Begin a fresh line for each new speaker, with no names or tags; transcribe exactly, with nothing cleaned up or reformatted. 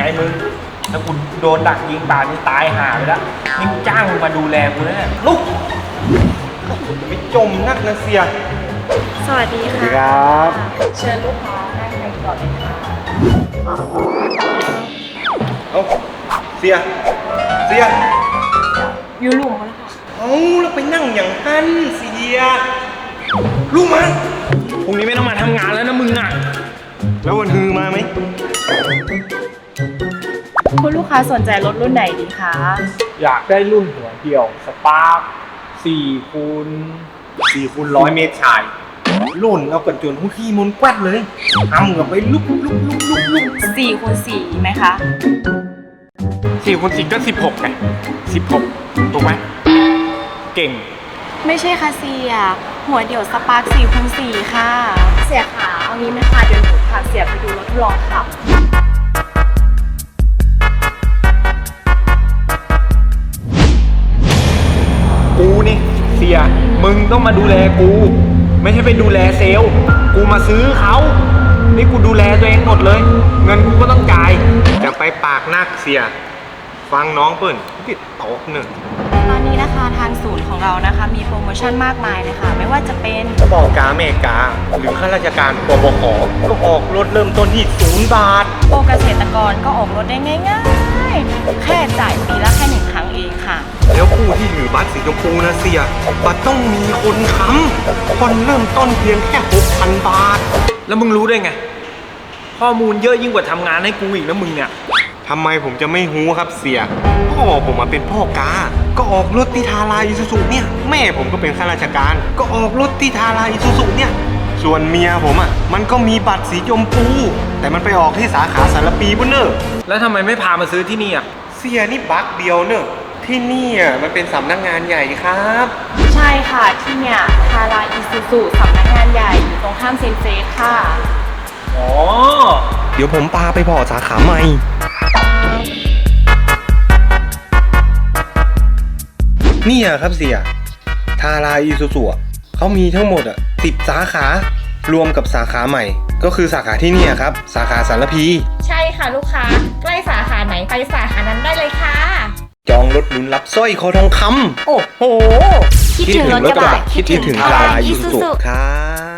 ไงมึงถ้ากูโดนดักยิงป่านนี่ตายห่าไปแล้วนี่กูจ้างมึงมาดูแลกูแล้วเนี่ยลุกไม่จมนักนะเสีย
สวัสดีค่ะ
ครับ
เชิญลูกค้านั่งกันก่อนเลยค่ะ
เอ้าเสียเสีย
อยู่หลุมแล้วค่ะ
เอ้าแล้วไปนั่งอย่างนั้นเสียลูกมาพรุ่งนี้ไม่ต้องมาทำงานแล้วนะมึงอ่ะแล้ววันฮือมาไหม
คุณลูกค้าสนใจรถรุ่นไหนดีคะ
อยากได้รุ่นหัวเดี่ยวสปาร์คสี่คูณ
สี่คูณร้อยเมตรชายลุ่นเอากันจนหุ้ขี้มุนแกวดเลยทำกับไปลุกลุกลุกลุกลุก
สี่คูณสี่ไหมคะ
สี่คูณสี่ก็สิบหกไงสิบหกถูกไหมเก่ง
ไม่ใช่ค่ะเสียหัวเดี่ยวสปาร์คสี่คูณสี่ค่ะเสียขาเอางี้ไหมคะเดี๋ยวหนูพาเสียไปดูรถทดลองขับ
กูนี่เสียมึงต้องมาดูแลกูไม่ใช่ไปดูแลเซลล์กูมาซื้อเขานี่กูดูแลตัวเองหมดเลยเงินกูก็ต้องจ่ายจะไปปากนักเสียฟังน้องเปิ้ลติดตกหนึ่ง
ตอนนี้นะคะทางศูนย์ของเรานะคะมีโปรโมชั่นมากมายเลยค่ะไม่ว่าจะเป็น
พ่อกาเมกาหรือข้าราชการปบขก็ออกรถเริ่มต้นที่ศูนย์บาท
โปรเกษตรกรก็ออกรถได้ง่ายๆแค่จ่ายปีละแค่หนึ่งครั้งเองค่ะ
แล้วผู้ที่ถือบัตรสีชมพูนะเสียบัตรต้องมีคนค้ำคนเริ่มต้นเพียงแค่ หกพัน บาทแล้วมึงรู้ได้ไงข้อมูลเยอะยิ่งกว่าทำงานให้กูอีกนะมึงเนี่ยทำไมผมจะไม่รู้ครับเสียพ่อผมมาเป็นพ่อกาก็ออกรถที่ทาราอิซูซุเนี่ยแม่ผมก็เป็นข้าราชการก็ออกรถที่ทาราอิซูซุเนี่ยส่วนเมียผมอ่ะมันก็มีบัตรสีชมพูแต่มันไปออกที่สาขาสารปีบุญเนอร์แล้วทำไมไม่พามาซื้อที่นี่อ่ะเสียนี่บักเดียวเนอะที่นี่อ่ะมันเป็นสำนักงานใหญ่ครับ
ใช่ค่ะที่เนี่ยทาราอิซูซุสำนักงานใหญ่อยู่ตรงข้ามเซนเซสค่ะ
อ๋อเดี๋ยวผมพาไปพอสาขาใหม่นี่อ่ะครับเสียทาราอิซูซุเขามีทั้งหมดอ่ะสิบสาขารวมกับสาขาใหม่ก็คือสาขาที่นี่ครับสาขาสารพี
ใช่ค่ะลูกค้าใกล้สาขาไหนไปสาขานั้นได้เลยค่ะ
จองรถลุ้นรับสร้อยคอทองคำโอ้โห
คิดถึงรถกระบะ
คิดถึงทาราอิซูซุครับ